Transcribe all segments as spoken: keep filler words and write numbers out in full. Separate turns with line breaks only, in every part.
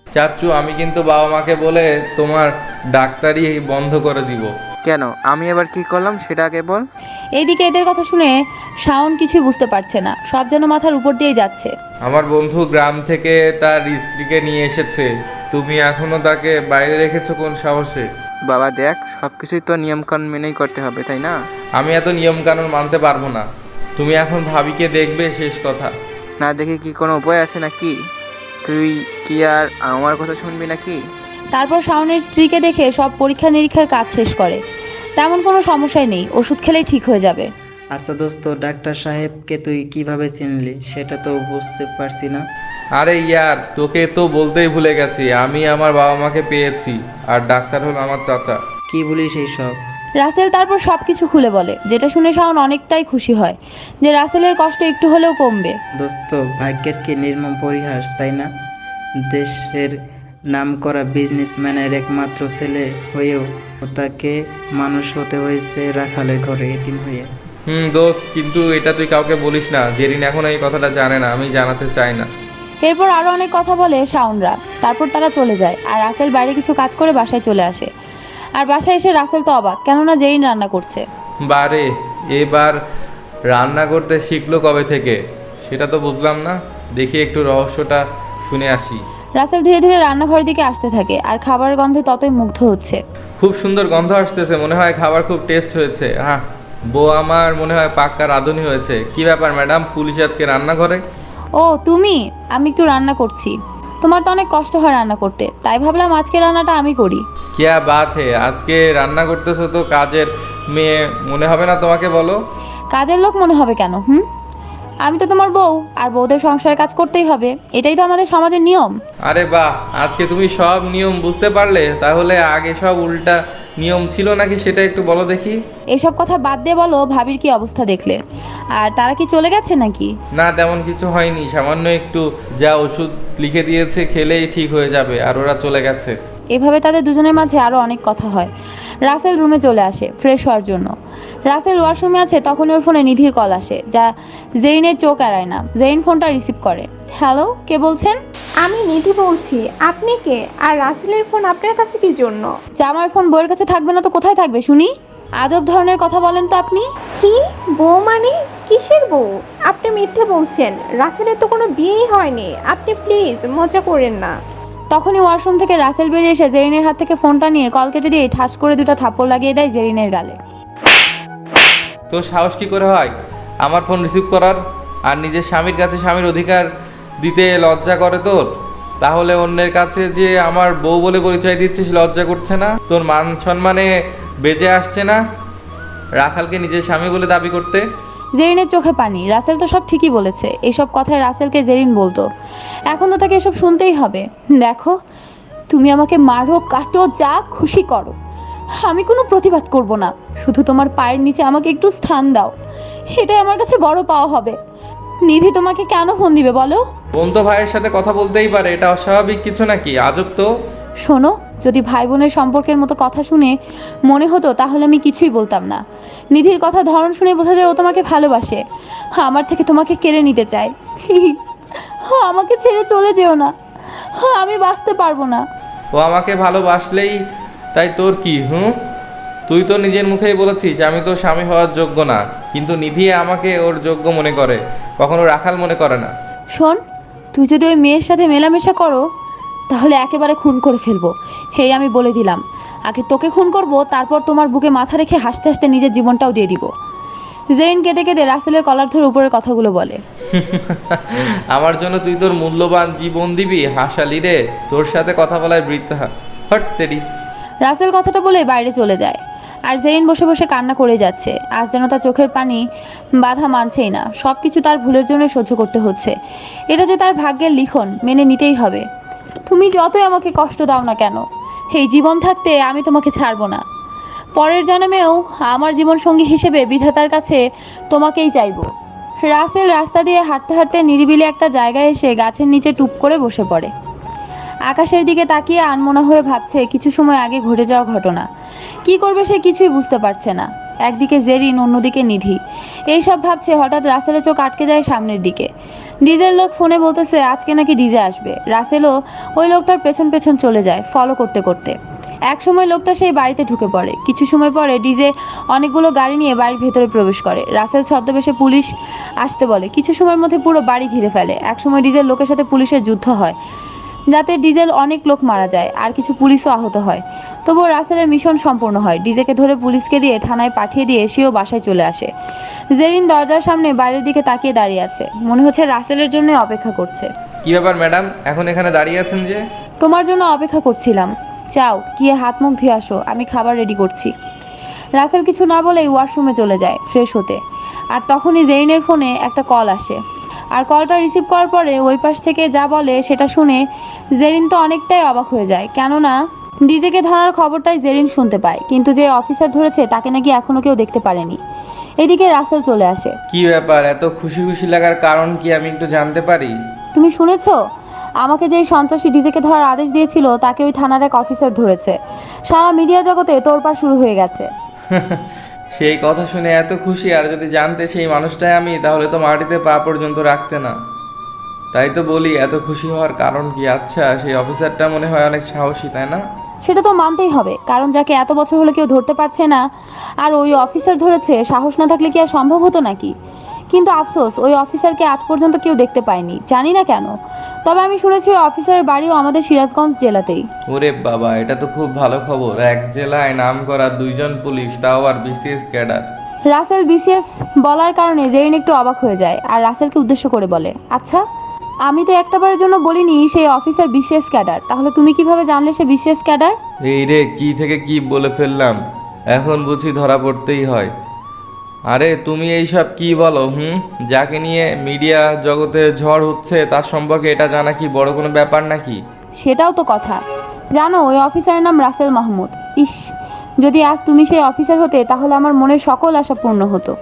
চাচ্চু, আমি কিন্তু বাবা মাকে বলে তোমার ডাক্তারি বন্ধ করে দিব।
কেন? আমি এবার কি করলাম সেটা আগে বল।
এইদিকে এদের কথা শুনে শাওন কিছুই বুঝতে পারছে না, সব যেন মাথার উপর দিয়ে যাচ্ছে।
আমার বন্ধু গ্রাম থেকে তার স্ত্রীকে নিয়ে এসেছে, তুমি এখনো তাকে বাইরে রেখেছো কোন সাহসে?
বাবা দেখ, সব কিছুই তো নিয়মকানুন মেনেই করতে হবে, তাই না?
আমি এত নিয়ম কানুন মানতে পারবো না। তুমি এখন ভাবিকে দেখবে, শেষ কথা।
না দেখে কি কোনো উপায় আছে নাকি? তুই কি আর আমার কথা শুনবি নাকি?
তারপর শাওনের স্ত্রীকে দেখে সব পরীক্ষা নিরীক্ষার কাজ শেষ করে। তেমন কোনো সমস্যাই নেই, ওষুধ খেলেই ঠিক হয়ে যাবে।
আচ্ছা দোস্ত, ডাক্তার সাহেবকে তুই কিভাবে চিনলি সেটা তো বুঝতে পারছি না।
আরে ইয়ার, তোকে তো বলতেই ভুলে গেছি, আমি আমার বাবা মাকে পেয়েছি, আর ডাক্তার হলো আমার চাচা।
কি বলিস এইসব?
রাসেল তারপর সবকিছু খুলে বলে, যেটা শুনে শাওন অনেকটাই খুশি হয় যে রাসেলের কষ্ট একটু হলেও কমবে।
দোস্ত, ভাগ্যের কি নির্মম পরিহাস, তাই না? দেশের নামকরা বিজনেসম্যানের একমাত্র ছেলে হয়েও তাকে মানুষ হতে হয়েছে রাখালের ঘরে এতিম হয়ে।
হুম দোস্ত, কিন্তু এটা তুই কাউকে বলিস না। জেরিন এখন এই কথাটা জানে না, আমি জানাতে চাই না।
এরপর আরো অনেক কথা বলে শাওনরা। তারপর তারা চলে যায়, আর রাসেল বাইরে কিছু কাজ করে বাসায় চলে আসে। আর বাসায় এসে রাসেল তো অবাক, কেননা জেরিন রান্না করছে।
বারে, এবার রান্না করতে শিখলো কবে থেকে সেটা তো বুঝলাম না। দেখি একটু রহস্যটা শুনে আসি।
রাসেল ধীরে ধীরে রান্নাঘরের দিকে আসতে থাকে, আর খাবারের গন্ধে ততই মুগ্ধ হচ্ছে।
খুব সুন্দর গন্ধ আসতেছে, মনে হয় খাবার খুব টেস্ট হয়েছে। হ্যাঁ, বউ আমার মনে হয় পাক্কা রাঁধুনি হয়েছে। কি ব্যাপার ম্যাডাম, পুলিশ আজকে রান্নাঘরে?
ও তুমি? আমি একটু রান্না করছি। তোমার তো অনেক কষ্ট হয় রান্না করতে, তাই ভাবলাম আজকে রান্নাটা আমি করি।
কিয়া বাত হে, আজকে রান্না করতেছো তো কাজের মেয়ে মনে হবে না তোমাকে? বলো।
কাজের লোক মনে হবে কেন? হুম, আমি তো তোমার বউ, আর বউদের সংসারে কাজ করতেই হবে, এটাই তো আমাদের সমাজের নিয়ম।
আরে বাহ, আজকে তুমি সব নিয়ম বুঝতে পারলে। তাহলে আগে সব উল্টা নিয়ম ছিল নাকি সেটা একটু বলো দেখি।
এসব কথা বাদ দিয়ে বলো, ভাবির কি অবস্থা দেখলে? আর তারা কি চলে গেছে নাকি?
না, তেমন কিছু হয়নি, সামান্য একটু যা ওষুধ লিখে দিয়েছে খেলেই ঠিক হয়ে যাবে, আর ওরা চলে গেছে।
এভাবে তাদের দুজনের মাঝে আরো অনেক কথা হয়। রাসেল রুমে চলে আসে ফ্রেশ হওয়ার জন্য। রাসেল ওয়াশরুমে আছে, তখন ওর ফোনে নিধির কল আসে, যা জেইনের চোখ এড়ায় না। জেইন ফোনটা রিসিভ করে। হ্যালো, কে বলছেন?
আমি নিধি বলছি। আপনি কে? আর রাসেলের ফোন আপনার কাছে কি জন্য?
জামার ফোন বউয়ের কাছে থাকবে না তো কোথায় থাকবে শুনি? আজব ধরনের কথা বলেন তো আপনি।
কি বউ মানে? কিসের বউ? আপনি মিথ্যে বলছেন। রাসেলের তো কোনো বিয়েই হয়নি। আপনি প্লিজ মজা করেন না।
তখনই ওয়াশরুম থেকে রাসেল বেরিয়ে এসে জেরিনের হাত থেকে ফোনটা নিয়ে কল কেটে দিয়ে ঠাস করে দুটো থাপ্পড় লাগিয়ে দেয় জেরিনের গালে।
তো সাহস কি করে হয় আমার ফোন রিসিভ করার? আর নিজের স্বামীর কাছে স্বামীর অধিকার দিতে লজ্জা করে তোর? তাহলে অন্যের কাছে যে আমার বউ বলে পরিচয় দিচ্ছিস, লজ্জা করছে না? তোর মান সম্মানে বেঁচে আসছে না রাখালকে নিজের স্বামী বলে দাবি করতে?
জেরিনের চোখে পানি। রাসেল তো সব ঠিকই বলেছে। এইসব কথায় রাসেলকে জেরিন বলতো। এখন তো তাকে এসব শুনতেই হবে। দেখো, তুমি আমাকে মারো, কাটো, যা খুশি করো, আমি কোনো প্রতিবাদ করব না। শুধু তোমার পায়ের নিচে আমাকে একটু স্থান দাও, এটাই আমার কাছে বড় পাওয়া হবে। নিধি তোমাকে কেন ফোন দিবে বলো?
বোন তো ভাইয়ের সাথে কথা বলতেই পারে, এটা অস্বাভাবিক কিছু নাকি? আজব তো।
শোনো, যদি ভাই বোনের সম্পর্কের মতো কথা শুনে মনে হতো তাহলে আমি কিছুই বলতাম না। নিধির কথা ধরন শুনে বোঝা যায় ও তোমাকে ভালোবাসে, আমার থেকে তোমাকে কেড়ে নিতে চায়। প্লিজ আমাকে ছেড়ে চলে যেও না, আমি বাঁচতে পারবো না।
ও আমাকে ভালোবাসলেই তাই তোর কি? হুম, তুই তো নিজের মুখেই বলেছিস আমি তো স্বামী হওয়ার যোগ্য না, কিন্তু নিধি আমাকে ওর যোগ্য মনে করে, কখনো রাখাল মনে করে না।
শোন, তুই যদি ওই মেয়ের সাথে মেলামেশা করো তাহলে একেবারে খুন করে ফেলবো, হেই আমি বলে দিলাম। আগে তোকে খুন করব, তারপর তোমার বুকে মাথা রেখে হাসতে হাসতে নিজের জীবনটাও দিয়ে দিব। জেইন কেঁদে কেঁদে রাসেলের কলার ধরে উপরের কথাগুলো বলে।
আমার জন্য তুই তোর মূল্যবান জীবন দিবি? হাসালি রে, তোর সাথে কথা বলায় বৃথা। হট তেরি।
রাসেল কথাটা বলে বাইরে চলে যায়, আর জেইন বসে বসে কান্না করে যাচ্ছে। আজ যেন তার চোখের পানি বাধা মানছেই না। সব কিছু তার ভুলের জন্য সহ্য করতে হচ্ছে। এটা যে তার ভাগ্যের লিখন, মেনে নিতেই হবে। তুমি যতই আমাকে কষ্ট দাও না কেন, এই জীবন থাকতে আমি তোমাকে ছাড়বো না। পরের জন্মেও আমার জীবন সঙ্গী হিসেবে বিধাতার কাছে তোমাকেই চাইবো। রাসেল রাস্তা দিয়ে হাঁটতে হাঁটতে নিরিবিলি একটা জায়গায় এসে গাছের নিচে টুপ করে বসে পড়ে। আকাশের দিকে তাকিয়ে আনমনা হয়ে ভাবছে কিছু সময় আগে ঘটে যাওয়া ঘটনা। কি করবে সে কিছুই বুঝতে পারছে না। একদিকে জেরিন, অন্যদিকে নিধি। এইসব ভাবছে, হঠাৎ রাসেলের চোখ আটকে যায় সামনের দিকে। ডিজের লোক ফোনে বলতেছে আজকে নাকি ডিজে আসবে। রাসেলও ওই লোকটার পেছন পেছন চলে যায় ফলো করতে করতে। এক সময় লোকটা সেই বাড়িতে ঢুকে পড়ে। কিছু সময় পরে ডিজে অনেকগুলো গাড়ি নিয়ে বাড়ির ভেতরে প্রবেশ করে। রাসেল ছদ্মবেশে পুলিশ আসতে বলে। কিছু সময়ের মধ্যে পুরো বাড়ি ঘিরে ফেলে। এক সময় ডিজের লোকের সাথে পুলিশের যুদ্ধ হয়, যাতে ডিজেল অনেক লোক মারা যায় আর কিছু পুলিশও আহত হয়। তবুও রাসেলের মিশন সম্পূর্ণ হয়। ডিজেকে ধরে পুলিশকে দিয়ে থানায় পাঠিয়ে দিয়ে সেও বাসায় চলে আসে। জেরিন দরজার সামনে বাইরের দিকে তাকিয়ে দাঁড়িয়ে আছে, মনে হচ্ছে রাসেলের জন্য অপেক্ষা করছে।
কি ব্যাপার ম্যাডাম, এখন এখানে দাঁড়িয়ে আছেন যে?
তোমার জন্য অপেক্ষা করছিলাম, চাও গিয়ে হাত মুখ ধুয়ে আসো, আমি খাবার রেডি করছি। রাসেল কিছু না বলেই ওয়াশরুমে চলে যায় ফ্রেশ হতে। আর তখনই জেরিনের ফোনে একটা কল আসে। আর কলটা রিসিভ করার পরে ওই পাশ থেকে যা বলে সেটা শুনে জেরিন তো অনেকটাই অবাক হয়ে যায়, কেননা ডিজেকে ধরার খবরটাই জেরিন শুনতে পায়, কিন্তু যে অফিসার ধরেছে তাকে নাকি এখনো কেউ দেখতে পারেনি। এদিকে রাসেল চলে আসে।
কি ব্যাপার, এত খুশি খুশি লাগার কারণ কি আমি একটু জানতে পারি?
তুমি শুনেছো আমাকে যেই সন্ত্রাসী ডিজেকে ধরার আদেশ দিয়েছিল তাকে ওই থানার এক অফিসার ধরেছে। সারা মিডিয়া জগতে তোড়পাড় শুরু হয়ে গেছে।
সেই কথা শুনে এত খুশি, আর যদি জানতে সেই মানুষটাই আমি, তাহলে তো মাটিতে পা পর্যন্ত রাখতে না। তাই তো বলি এত খুশি হওয়ার কারণ কি? আচ্ছা, সেই অফিসারটা মনে হয় অনেক সাহসী, তাই না?
সেটা তো মানতেই হবে, কারণ যাকে এত বছর হলো কেউ ধরতে পারছে না আর ওই অফিসার ধরেছে, সাহস না থাকলে কি আর সম্ভব হতো নাকি? কিন্তু আফসোস, ওই অফিসারকে আজ পর্যন্ত কেউ দেখতে পায়নি, জানি না কেন। তবে আমি শুনেছি ওই অফিসারের বাড়িও আমাদের সিরাজগঞ্জ জেলাতেই।
ওরে বাবা, এটা তো খুব ভালো খবর। এক জেলায় নাম করা দুইজন পুলিশ, তাও আর বিসিএস ক্যাডার।
রাসেল বিসিএস বলার কারণে জেরিন একটু অবাক হয়ে যায় আর রাসেলকে উদ্দেশ্য করে বলে, আচ্ছা আমি তো একটাবারের জন্য বলিনি সেই অফিসার বিসিএস ক্যাডার, তাহলে তুমি কিভাবে জানলে সে বিসিএস ক্যাডার?
এই রে, কি থেকে কি বলে ফেললাম, এখন বুঝি ধরা পড়তেই হয়। আরে তুমি এইসব কি বলো? হুম, যাকে নিয়ে মিডিয়া জগতে ঝড় হচ্ছে তার সম্পর্কে এটা জানা কি বড় কোনো ব্যাপার নাকি?
সেটাও তো কথা। জানো ওই অফিসারের নাম রাসেল মাহমুদ। ইস, যদি আজ তুমি সেই অফিসার হতে তাহলে আমার মনের সকল আশা পূর্ণ হতো।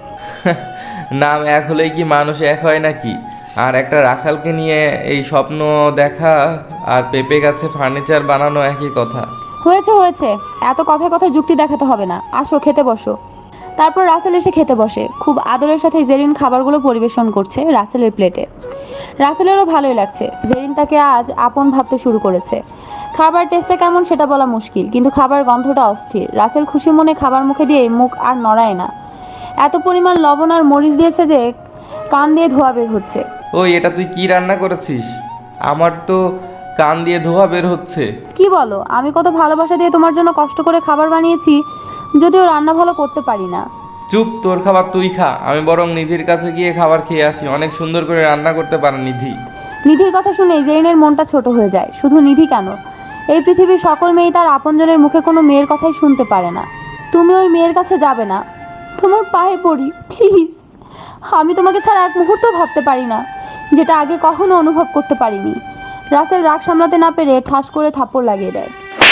নাম এক হলেই কি মানুষ এক হয় নাকি? আর একটা রাখালকে নিয়ে এই স্বপ্ন দেখা আর পেঁপে গাছে ফার্নিচার বানানো একই কথা।
হয়েছে হয়েছে, এত কথায় কথায় যুক্তি দেখাতে হবে না, আসো খেতে বসো। তারপর রাসেল এসে খেতে বসে। খুব আদরের সাথে জেরিন খাবারগুলো পরিবেশন করছে রাসেলের প্লেটে। রাসেলেরও ভালোই লাগছে, জেরিন তাকে আজ আপন ভাবতে শুরু করেছে। খাবার টেস্টটা কেমন সেটা বলা মুশকিল, কিন্তু খাবার গন্ধটা অস্থির। রাসেল খুশি মনে খাবার মুখে দিয়ে মুখ আর নড়ায় না। এত পরিমাণ লবণ আর মরিচ দিয়েছে যে কান দিয়ে ধোয়া বের হচ্ছে।
ওই, এটা তুই কি রান্না করেছিস? আমার তো কান দিয়ে ধোয়া বের হচ্ছে।
কি বলো? আমি কত ভালোবাসা দিয়ে তোমার জন্য কষ্ট করে খাবার বানিয়েছি, যদিও রান্না ভালো করতে পারি না।
চুপ, তোর খাবার তুই খা, আমি বরং নিধির কাছে গিয়ে খাবার খেয়ে আসি। অনেক সুন্দর করে রান্না করতে পারে নিধি।
নিধির কথা শুনে জেরিনের মনটা ছোট হয়ে যায়। শুধু নিধি কেন, এই পৃথিবীর সকল মেয়ে তার আপনজনের মুখে কোনো মেয়ের কথাই শুনতে পারে না। তুমি ওই মেয়ের কাছে যাবে না, তোমার পায়ে পড়ি প্লিজ। আমি তোমাকে ছাড়া এক মুহূর্ত ভাবতে পারি না, যেটা আগে কখনো অনুভব করতে পারিনি। রাসেল রাগ সামলাতে না পেরে ঠাস করে থাপ্পড় লাগিয়ে দেয়।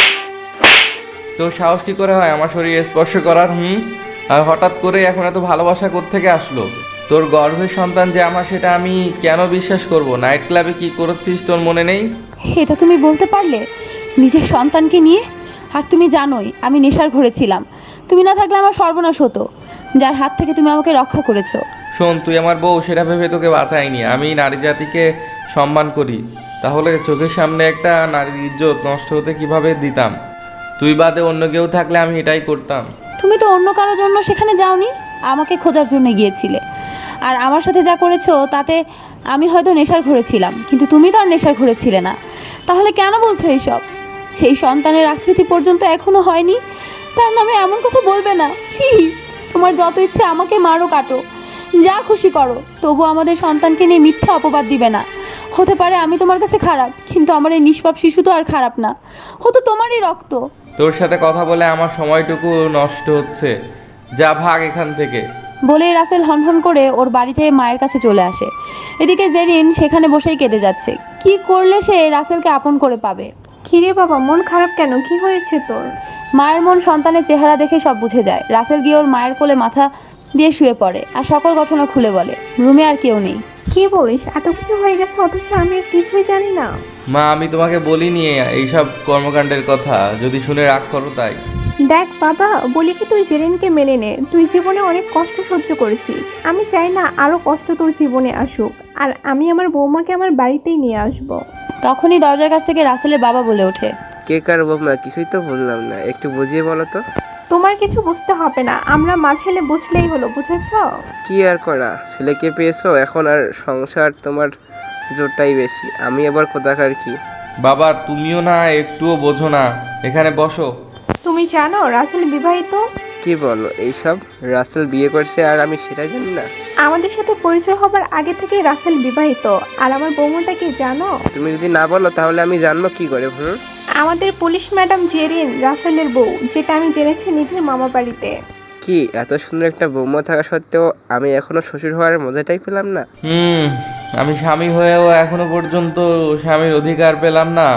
তোর সাহস কি করে হয় আমার শরীরে স্পর্শ করার? হুম, আর হঠাৎ করে এখন এত ভালোবাসা কোত্থেকে আসলো? তোর গর্ভের সন্তান যে আমার, সেটা আমি কেন বিশ্বাস করব? নাইট ক্লাবে কি করেছিস তোর মনে নেই?
এটা তুমি বলতে পারলে নিজের সন্তানকে নিয়ে? আর তুমি জানোই আমি নেশার ঘরে ছিলাম। তুমি না থাকলে আমার সর্বনাশ হতো, যার হাত থেকে তুমি আমাকে রক্ষা করেছো।
শোন, তুই আমার বউ, সেটা ভেবে তোকে বাঁচাইনি। আমি নারী জাতিকে সম্মান করি, তাহলে চোখের সামনে একটা নারীর ইজ্জত নষ্ট হতে কিভাবে দিতাম? তুই বাদে অন্য কেউ থাকলে আমি এটাই করতাম।
তুমি তো অন্য কারোর জন্য সেখানে যাওনি, আমাকে খোঁজার জন্য গিয়েছিলে। আর আমার সাথে যা করেছো তাতে আমি হয়তো নেশার ঘরে ছিলাম, কিন্তু তুমি তো আর নেশার ঘরে ছিলে না। তাহলে কেন বলছো এইসব? সেই সন্তানের আকৃতি পর্যন্ত এখনো হয়নি, তার নামে এমন কথা বলবে না প্লিজ। তোমার যত ইচ্ছে আমাকে মারো, কাটো, যা খুশি করো, তবু আমাদের সন্তানকে নিয়ে মিথ্যা অপবাদ দিবে না। হতে পারে আমি তোমার কাছে খারাপ, কিন্তু আমার এই নিষ্পাপ শিশু তো আর খারাপ না, ও তো তোমারই রক্ত।
তোর সাথে কথা বলে আমার সময়টুকু নষ্ট হচ্ছে, যা ভাগ এখান থেকে।
বলেই রাসেল হনহন করে ওর বাড়িতে মায়ের কাছে চলে আসে। এদিকে জেরিন সেখানে বসেই কেঁদে যাচ্ছে। কি করলে সে রাসেলকে আপন করে পাবে?
কিরে বাবা, মন খারাপ কেন? কি হয়েছে তোর?
মায়ের মন সন্তানের চেহারা দেখে সব বুঝে যায়। রাসেল গিয়ে ওর মায়ের কোলে মাথা দিয়ে শুয়ে পড়ে আর সকল ঘটনা খুলে বলে। রুমে আর কেউ নেই।
কি বলিস? এত কিছু হয়ে গেছে অথচ আমি আর কিছুই জানি না।
মা, আমি তোমাকে বলিনি এইসব কর্মকাণ্ডের কথা, যদি শুনে রাগ করো তাই।
দেখ বাবা, বলি কি তুই জেরিনকে মেনে নে। তুই জীবনে অনেক কষ্ট সহ্য করেছিস। আমি চাই না আরো কষ্ট তোর জীবনে আসুক। আর আমি আমার বৌমাকে আমার বাড়িতেই নিয়ে আসব।
তখনই দরজার কাছ থেকে রাসেলের বাবা বলে ওঠে,
কে কার বৌমা কিছুই তো বললাম না, একটু বুঝিয়ে বলো তো।
তোমার কিছু বুঝতে হবে না, আমরা মা ছেলে বুঝলেই হলো, বুঝেছো?
কি আর করা, ছেলেকে পেয়েছো, এখন আর সংসার তোমার জোরটাই বেশি। আমি আবার কোথাকার কি?
বাবা তুমিও না একটুও বোঝো না, এখানে বসো।
তুমি জানো রাসেল বিবাহিত?
কি বলো এইসব? রাসেল বিয়ে করছে আর আমি সেটা জানি না?
আমাদের সাথে পরিচয় হবার আগে থেকেই রাসেল বিবাহিত। আর আমার বৌমাটা কি জানো?
তুমি যদি না বলো তাহলে আমি জানবো কি করে? হুম
আমাদের পুলিশ ম্যাডাম জেরিন রাসেলের বউ, যেটা আমি জেনেছি নিধির মামা বাড়িতে।
কি এত সুন্দর একটা বৌমা থাকা সত্ত্বেও আমি এখনো শ্বশুর হওয়ার মজাটাই পেলাম না?
হুম আমি স্বামী হয়েও এখনো পর্যন্ত স্বামীর অধিকার পেলাম না,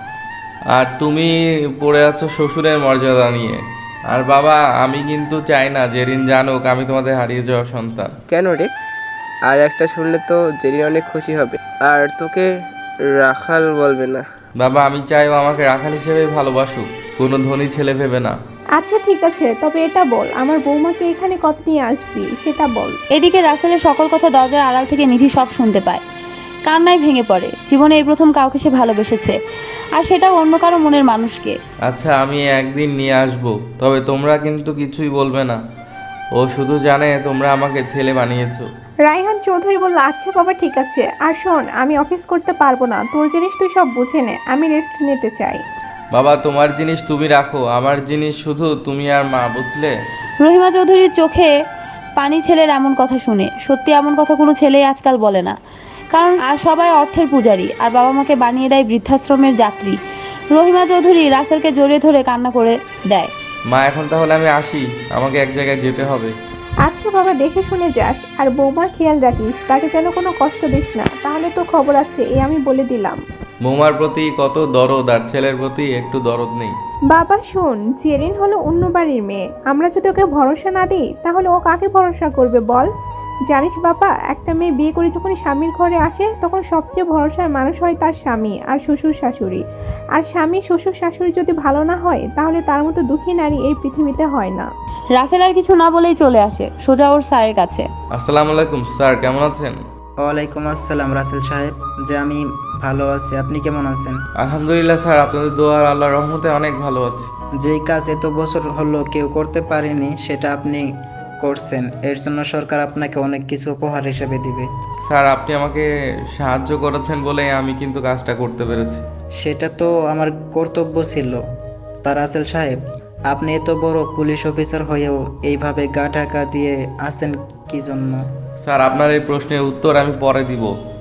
আর তুমি পড়ে আছো শ্বশুরের মর্যাদা নিয়ে। আর বাবা আমি কিন্তু চাই না জেরিন জানুক আমি তোমাদের হারিয়ে যাওয়া সন্তান।
কেন রে? আর একটা শুনলে তো জেরিন অনেক খুশি হবে, আর তোকে রাখাল বলবে না।
বাবা আমি চাই ও আমাকে রাখাল হিসেবে ভালোবাসুক, কোনো ধনী ছেলে ভেবে না।
আচ্ছা ঠিক আছে, তবে এটা বল আমার বৌমাকে এখানে কত নিয়ে আসবি সেটা বল।
এদিকে রাসেলের সকল কথা দরজার আড়াল থেকে নিধি সব শুনতে পায়। কান্নায় ভেঙে পড়ে। জীবনে এই প্রথম কাউকে সে ভালোবেসেছে, আর সেটাও অন্য কারো মনের মানুষকে।
আচ্ছা আমি একদিন নিয়ে আসবো, তবে তোমরা কিন্তু কিছুই বলবে না। ও শুধু জানে তোমরা আমাকে ছেলে বানিয়েছো।
রায়হান চৌধুরী বলল, আচ্ছা বাবা ঠিক আছে। আর শোন, আমি অফিস করতে পারবো না, তোর জিনিস তুই সব বুঝে নে, আমি রেস্ট নিতে চাই।
বাবা তোমার জিনিস তুমি রাখো, আমার জিনিস শুধু তুমি আর মা, বুঝলে?
রহিমা চৌধুরীর চোখে পানি ছেলের এমন কথা শুনে। সত্যি এমন কথা কোনো ছেলেই আজকাল বলে না, কারণ আর সবাই অর্থের পূজারী, আর বাবা মাকে বানিয়ে দেয় বৃদ্ধাশ্রমের যাত্রী। রহিমা চৌধুরী রাসেলকে জড়িয়ে ধরে কান্না করে দেয়।
মা এখন তাহলে আমি আসি, আমাকে এক জায়গায় যেতে হবে।
আচ্ছা বাবা, দেখে শুনে যাস, আর বৌমার খেয়াল রাখিস, তাকে যেন কোনো কষ্ট দিস না, তাহলে তোর খবর আছে, এ আমি বলে দিলাম।
বৌমার প্রতি কত দরদ, আর ছেলের প্রতি একটু দরদ নেই।
বাবা শোন, জেরিন হলো অন্য বাড়ির মেয়ে। আমরা যদি ওকে ভরসা না দিই তাহলে ও কাকে ভরসা করবে বল? জানিস বাবা, একটা মেয়ে বিয়ে করে যখন স্বামীর ঘরে আসে তখন সবচেয়ে ভরসার মানুষ হয় তার স্বামী আর শ্বশুর শাশুড়ি। আর স্বামী শ্বশুর শাশুড়ি যদি ভালো না হয় তাহলে তার মতো দুঃখী নারী এই পৃথিবীতে হয় না।
রাসেল আর কিছু না বলেই চলে আসে সোজা ওর স্যারের কাছে।
আসসালামু আলাইকুম স্যার, কেমন আছেন?
ওয়ালাইকুম আসসালাম রাসেল সাহেব, যে আমি ভালো আছি, আপনি কেমন আছেন?
আলহামদুলিল্লাহ স্যার, আপনাদের দোয়া আর আল্লাহর রহমতে অনেক ভালো আছি।
যেই কাজ এত বছর হলো কেউ করতে পারেনি সেটা আপনি করছেন, এর জন্য সরকার আপনাকে অনেক কিছু উপহার হিসেবে দিবে।
স্যার আপনি আমাকে সাহায্য করেছেন বলে আমি কিন্তু কাজটা করতে পেরেছি।
সেটা তো আমার কর্তব্য ছিল। তা রাসেল সাহেব, আপনি এত বড় পুলিশ অফিসার হয়েও এইভাবে গা ঢাকা দিয়ে আছেন কি জন্য?
স্যার আপনার এই প্রশ্নের উত্তর আমি পরে দিব,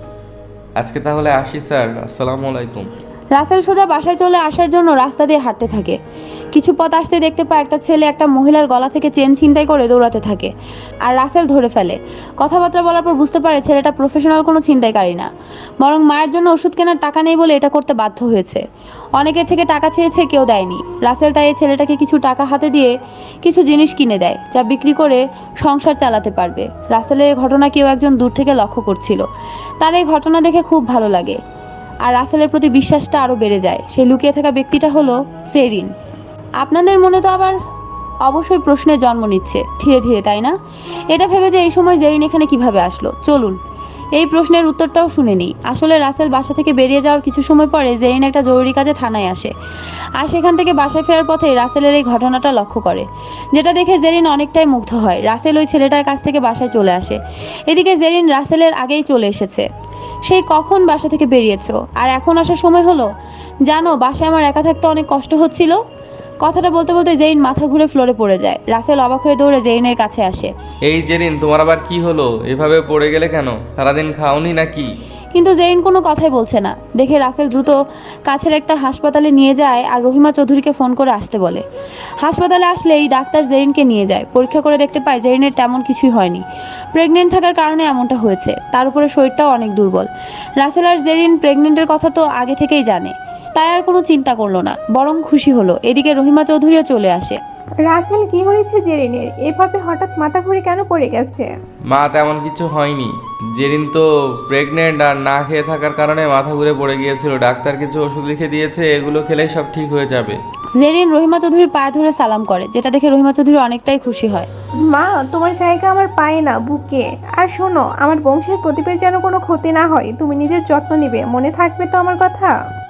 আজকে তাহলে আসি স্যার, আসসালামু আলাইকুম।
রাসেল সোজা বাসায় চলে আসার জন্য রাস্তা দিয়ে হাঁটতে থাকে। কিছু পথ আসতে দেখতে পায় একটা ছেলে একটা মহিলার গলা থেকে চেন ছিনতাই করে দৌড়াতে থাকে, আর রাসেল ধরে ফেলে। কথাবার্তা বলার পর বুঝতে পারে ছেলেটা প্রফেশনাল কোনো ছিনতাইকারী না, বরং মায়ের জন্য ওষুধ কেনার টাকা নেই বলে এটা করতে বাধ্য হয়েছে। অনেকের থেকে টাকা চেয়েছে, কেউ দেয়নি। রাসেল তাই এই ছেলেটাকে কিছু টাকা হাতে দিয়ে কিছু জিনিস কিনে দেয়, যা বিক্রি করে সংসার চালাতে পারবে। রাসেলের এই ঘটনা কেউ একজন দূর থেকে লক্ষ্য করছিল। তার এই ঘটনা দেখে খুব ভালো লাগে, আর রাসেলের প্রতি বিশ্বাসটা আরো বেড়ে যায়। সেই লুকিয়ে থাকা ব্যক্তিটা হলো জেরিন। আপনাদের মনে তো আবার অবশ্যই প্রশ্নের জন্ম নিচ্ছে ধীরে ধীরে, তাই না? এটা ভেবে যে এই সময় জেরিন এখানে কিভাবে আসলো, চলুন এই প্রশ্নের উত্তরটাও শুনে নিই। আসলে রাসেল বাসা থেকে বেরিয়ে যাওয়ার কিছু সময় পরে জেরিন একটা জরুরি কাজে থানায় আসে, আর সেখান থেকে বাসায় ফেরার পথে রাসেলের এই ঘটনাটা লক্ষ্য করে, যেটা দেখে জেরিন অনেকটাই মুগ্ধ হয়। রাসেল ওই ছেলেটার কাছ থেকে বাসায় চলে আসে। এদিকে জেরিন রাসেলের আগেই চলে এসেছে। সেই কখন বাসা থেকে বেরিয়েছো, আর এখন আসার সময় হলো? জানো বাসায় আমার একা থাকতে অনেক কষ্ট হচ্ছিল। কথাটা বলতে বলতে জেরিন মাথা ঘুরে ফ্লোরে পড়ে যায়। রাসেল অবাক হয়ে দৌড়ে জেরিনের কাছে আসে।
এই জেরিন তোমার আবার কি হলো, এভাবে পড়ে গেলে কেন? সারাদিন খাওনি নাকি?
কিন্তু জেরিন কোনো কথাই বলছে না দেখে রাসেল দ্রুত কাছের একটা হাসপাতালে নিয়ে যায় আর রহিমা চৌধুরীকে ফোন করে আসতে বলে। হাসপাতালে আসলেই ডাক্তার জেরিনকে নিয়ে যায়। পরীক্ষা করে দেখতে পায় জেরিনের তেমন কিছুই হয়নি, প্রেগনেন্ট থাকার কারণে এমনটা হয়েছে। তার উপরে শরীরটাও অনেক দুর্বল। রাসেল আর জেরিন প্রেগনেন্টের কথা তো আগে থেকেই জানে, তাই আর কোনো চিন্তা করলো না, বরং খুশি হলো। এদিকে রহিমা চৌধুরীও চলে আসে।
রাসেল কি হয়েছে জেরিনের? এভাবে হঠাৎ মাথা ঘুরে কেন পড়ে গেছে?
মা তেমন কিছু হয়নি, জেরিন তো প্রেগনেন্ট আর না খেয়ে থাকার কারণে মাথা ঘুরে পড়ে গিয়েছিল। ডাক্তার কিছু ওষুধ লিখে দিয়েছে, এগুলো খেলেই সব ঠিক হয়ে যাবে।
জেরিন রহিমা চৌধুরীর পায়ে ধরে সালাম করে, যেটা দেখে রহিমা চৌধুরী অনেকটাই খুশি হয়।
মা, তোমার জায়গা আমার পায়ে না, বুকে। আর শোনো, আমার বংশের প্রদীপের যেন কোনো ক্ষতি না হয়, তুমি নিজের যত্ন নিবে, মনে থাকবে তো আমার কথা?